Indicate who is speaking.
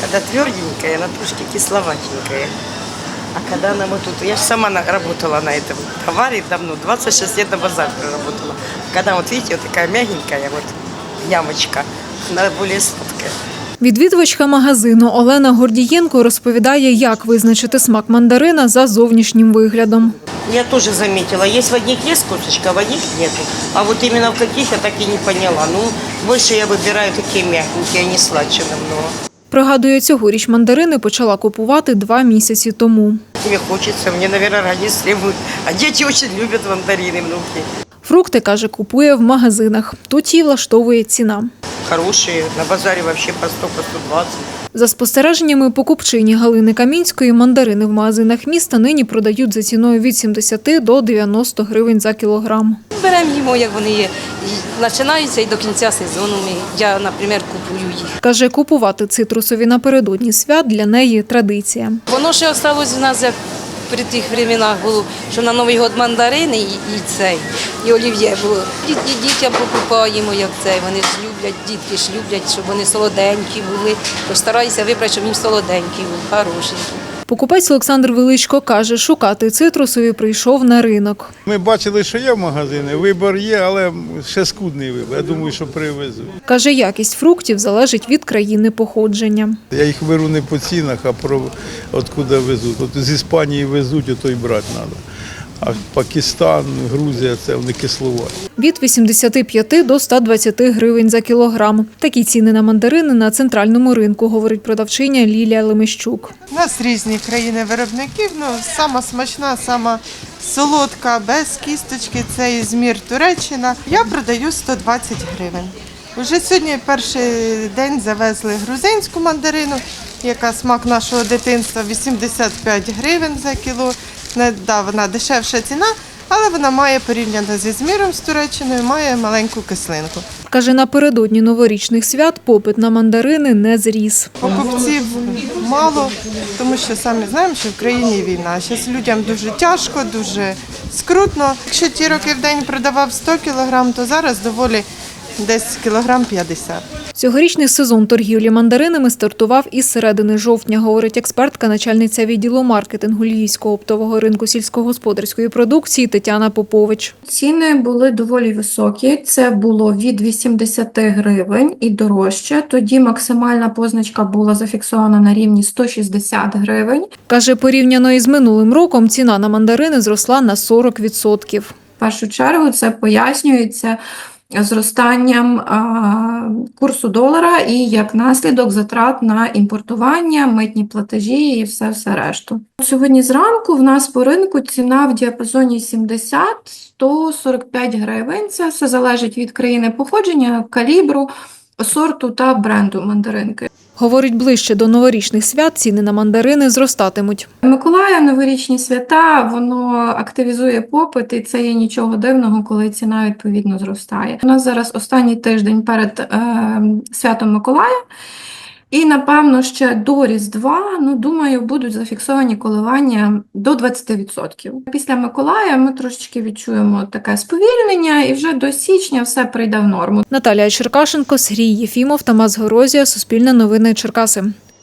Speaker 1: Когда тверденькая, она трошки кисловатенькая. А когда она вот тут, я же сама работала на этом товаре давно, 26 лет на базаре работала. Когда вот видите, вот такая мягенькая вот ямочка, она более сладкая.
Speaker 2: Відвідувачка магазину Олена Гордієнко розповідає, як визначити смак мандарина за зовнішнім виглядом.
Speaker 1: Я тоже заметила, есть в одних есть косточка, а в одних нету. А вот именно в каких я так и не поняла. Ну, больше я выбираю такие мягенькие, они сладче намного.
Speaker 2: Пригадує, цьогоріч мандарини почала купувати 2 місяці тому.
Speaker 1: Мне хочется, мне, наверное, организм требует. А дети очень любят мандарины, внуки.
Speaker 2: Фрукти, каже, купує в магазинах. Тут їй влаштовує ціна.
Speaker 1: Хорошие, на базаре вообще по 100, по 120.
Speaker 2: За спостереженнями покупчині Галини Камінської, мандарини в магазинах міста нині продають за ціною від 70 до 90 гривень за кілограм.
Speaker 3: Беремо їмо, як вони є. І починаються і до кінця сезону. Я, наприклад, купую їх.
Speaker 2: Каже, купувати цитрусові напередодні свят для неї традиція.
Speaker 3: Воно ще залишилось у нас, як при тих временах було, що на Новий год мандарини і олів'є було. І дітям покупаємо, як цей. Вони ж люблять, дітки ж люблять, щоб вони солоденькі були. Тож стараюся вибрати, щоб їм солоденькі були, хорошенькі.
Speaker 2: Покупець Олександр Величко каже, шукати цитрусові прийшов на ринок.
Speaker 4: Ми бачили, що є в магазини, вибір є, але ще скудний вибір. Я думаю, що привезуть.
Speaker 2: Каже, якість фруктів залежить від країни походження.
Speaker 4: Я їх беру не по цінах, а про откуда везуть. От з Іспанії везуть, ото й брати треба. А Пакистан, Грузія – це вони кисловаті.
Speaker 2: Від 85 до 120 гривень за кілограм. Такі ціни на мандарини на центральному ринку, говорить продавчиня Лілія Лемещук.
Speaker 5: У нас різні країни виробників, сама смачна, сама солодка, без кісточки, це Ізмір, Туреччина. Я продаю 120 гривень. Уже сьогодні перший день завезли грузинську мандарину, яка смак нашого дитинства, 85 гривень за кіло. Да, вона дешевша ціна, але вона має порівняно зі Ізміром, з Туреччиною, має маленьку кислинку.
Speaker 2: Каже, напередодні новорічних свят попит на мандарини не зріс.
Speaker 5: Покупців мало, тому що самі знаємо, що в країні війна. Зараз людям дуже тяжко, дуже скрутно. Якщо ті роки в день продавав 100 кг, то зараз доволі десь кілограм 50.
Speaker 2: Цьогорічний сезон торгівлі мандаринами стартував із середини жовтня, говорить експертка, начальниця відділу маркетингу Львівського оптового ринку сільськогосподарської продукції Тетяна Попович.
Speaker 6: Ціни були доволі високі. Це було від 80 гривень і дорожче. Тоді максимальна позначка була зафіксована на рівні 160 гривень.
Speaker 2: Каже, порівняно із минулим роком ціна на мандарини зросла на 40%.
Speaker 6: В першу чергу це пояснюється зростанням курсу долара і як наслідок затрат на імпортування, митні платежі і все решту. Сьогодні зранку в нас по ринку ціна в діапазоні 70-145 гривень. Це все залежить від країни походження, калібру, сорту та бренду мандаринки.
Speaker 2: Говорить, ближче до новорічних свят ціни на мандарини зростатимуть.
Speaker 6: Миколая, новорічні свята, воно активізує попит, і це є нічого дивного, коли ціна відповідно зростає. У нас зараз останній тиждень перед святом Миколая, і, напевно, ще до Різдва, думаю, будуть зафіксовані коливання до 20%. Після Миколая ми трошечки відчуємо таке сповільнення, і вже до січня все прийде в норму.
Speaker 2: Наталія Черкашенко, Сергій Єфімов, Тамас Горозія, Суспільне новини Черкаси.